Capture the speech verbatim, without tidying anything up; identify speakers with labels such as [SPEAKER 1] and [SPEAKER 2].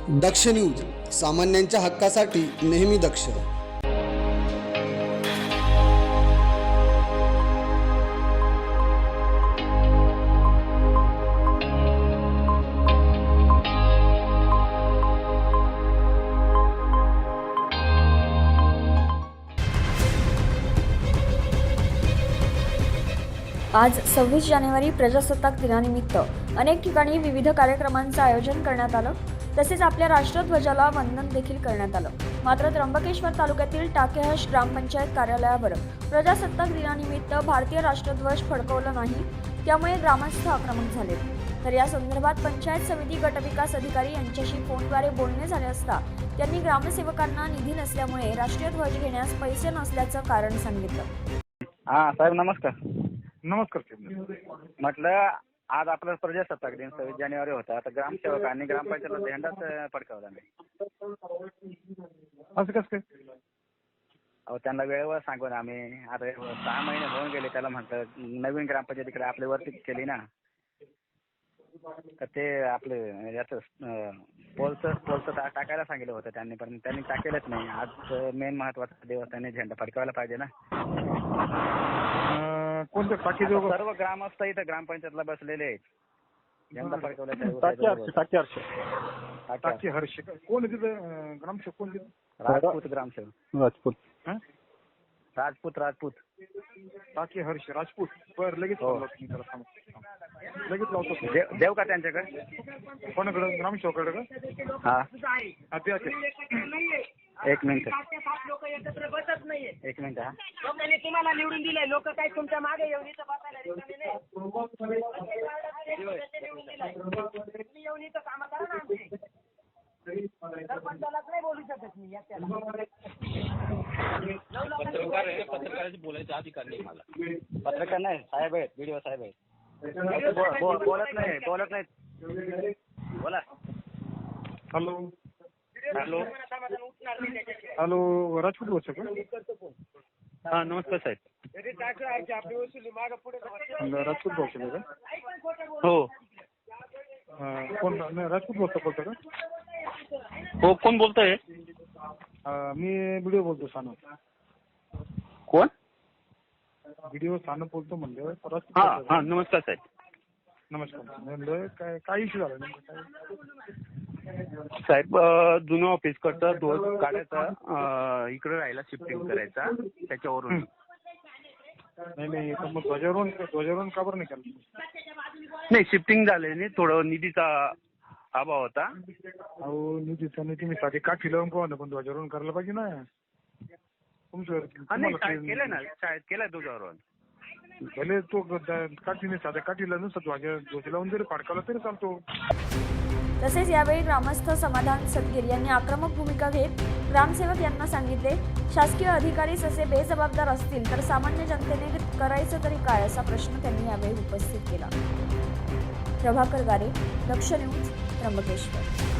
[SPEAKER 1] दक्ष news, सामान्यांच्या हक्कासाठी नेहमी दक्ष.
[SPEAKER 2] आज सव्वीस जानेवारी प्रजासत्ताक दिनानिमित्त अनेक ठिकाणी विविध कार्यक्रमांचं आयोजन करण्यात आलं. तसेच आपल्या राष्ट्रध्वजाला वंदन देखील करण्यात आलं. मात्र त्र्यंबकेश्वर तालुक्यातील टाकेहश ग्रामपंचायत कार्यालयावर प्रजासत्ताक दिनानिमित्त भारतीय राष्ट्रध्वज फडकवला नाही. त्यामुळे ग्रामस्थ आक्रमक झाले. तर या संदर्भात पंचायत समिती गटविकास अधिकारी यांच्याशी फोनद्वारे बोलणे झाले असता त्यांनी ग्रामसेवकांना निधी नसल्यामुळे राष्ट्रीय ध्वज घेण्यास पैसे नसल्याचं कारण सांगितलं.
[SPEAKER 3] हा साहेब नमस्कार.
[SPEAKER 4] नमस्कार साहेब.
[SPEAKER 3] म्हटलं आज आपला प्रजासत्ताक दिन सव्वीस जानेवारी होता. आता ग्रामसेवकांनी ग्रामपंचायतला झेंडाच फडकावला नाही.
[SPEAKER 4] असं कसं काय?
[SPEAKER 3] अहो त्यांना वेळेवर सांगून आम्ही आता सहा महिने होऊन गेले. त्याला म्हटलं नवीन ग्रामपंचायतीकडे आपल्या वरती केली ना, तर ते आपले याचं पोलचं पोलचं टाकायला सांगितलं होतं त्यांनी, पण त्यांनी टाकेलच नाही. आज मेन महत्वाचा दिवस, त्यांनी झेंडा फडकावायला पाहिजे ना.
[SPEAKER 4] कोणत्या टाकी
[SPEAKER 3] सर्व ग्रामस्थ इथं ग्रामपंचायतला बसलेले आहेत. झेंडा फडकवला
[SPEAKER 4] टाकी हर्ष कोण तिथं ग्रामसेवक कोण तिथं?
[SPEAKER 3] राजपूत ग्रामसेवक.
[SPEAKER 4] राजपूत
[SPEAKER 3] राजपूत राजपूत
[SPEAKER 4] टाकी हर्ष राजपूत. बर लगेच लगेच लावतो.
[SPEAKER 3] देव का त्यांच्याकडे?
[SPEAKER 4] कोणाकडे? ग्रामसेवकाकडे का?
[SPEAKER 3] हा
[SPEAKER 4] द्या ते.
[SPEAKER 3] एक मिनिट
[SPEAKER 5] लोक एकत्र बसत नाहीये.
[SPEAKER 3] एक मिनिट हा.
[SPEAKER 5] लोकांनी तुम्हाला निवडून दिलंय. लोक काय तुमच्या मागे येऊन इथं बसायला रिकामे नाही. निवडून दिलाय. तुम्ही येऊन इथं कामं करा ना आमची. सरपंचालाच नाही बोलू शकत मी एकट्याला.
[SPEAKER 6] पत्रकार आहे, पत्रकाराची बोलायचा अधिकार नाही मला.
[SPEAKER 3] पत्रकार नाही साहेब आहेत, व्हिडिओ साहेब आहेत. बोलत नाही बोलत नाहीत. बोला.
[SPEAKER 4] हॅलो
[SPEAKER 3] हॅलो
[SPEAKER 4] हॅलो राजपूत बोलतो का?
[SPEAKER 3] हा नमस्कार साहेब.
[SPEAKER 4] राजपूत बोलतो का?
[SPEAKER 6] हो
[SPEAKER 4] कोण? नाही राजपूत बोलतो बोलतो का?
[SPEAKER 6] हो कोण बोलतोय?
[SPEAKER 4] मी व्हिडिओ बोलतो सानू.
[SPEAKER 6] कोण?
[SPEAKER 4] व्हिडिओ सानू बोलतो म्हणलं.
[SPEAKER 6] हा हा नमस्कार साहेब.
[SPEAKER 4] नमस्कार. म्हणलं काय काय इश्यू झाला नेमकं काय?
[SPEAKER 6] साहेब जुनं ऑफिस करता ध्वज काढायचा, इकडे राहायला शिफ्टिंग करायचा, त्याच्यावरून.
[SPEAKER 4] नाही नाही तर मग ध्वजारोहण ध्वजारोहण का बरं नाही केलं?
[SPEAKER 6] नाही शिफ्टिंग झाले नाही, थोडं निधीचा अभाव होता.
[SPEAKER 4] अहो निधीचा नाही, तुम्ही साधी काठी लावून कोण पण ध्वजारोहण करायला पाहिजे ना तुमचं.
[SPEAKER 6] शाळेत केलंय ना, शाळेत केलंय ध्वजारोहण.
[SPEAKER 4] भले तो काठीने साध्या काठीला नुसतं ध्वज ध्वज लावून जरी फाडकाला तरी चालतो.
[SPEAKER 2] तसेच यावेळी ग्रामस्थ समाधान सदगीर यांनी आक्रमक भूमिका घेत ग्रामसेवक यांना सांगितले, शासकीय अधिकारीच असे बेजबाबदार असतील तर सामान्य जनतेने करायचं तरी काय, असा प्रश्न त्यांनी यावेळी उपस्थित केला. प्रभाकर गारे, दक्ष न्यूज, त्र्यंबकेश्वर.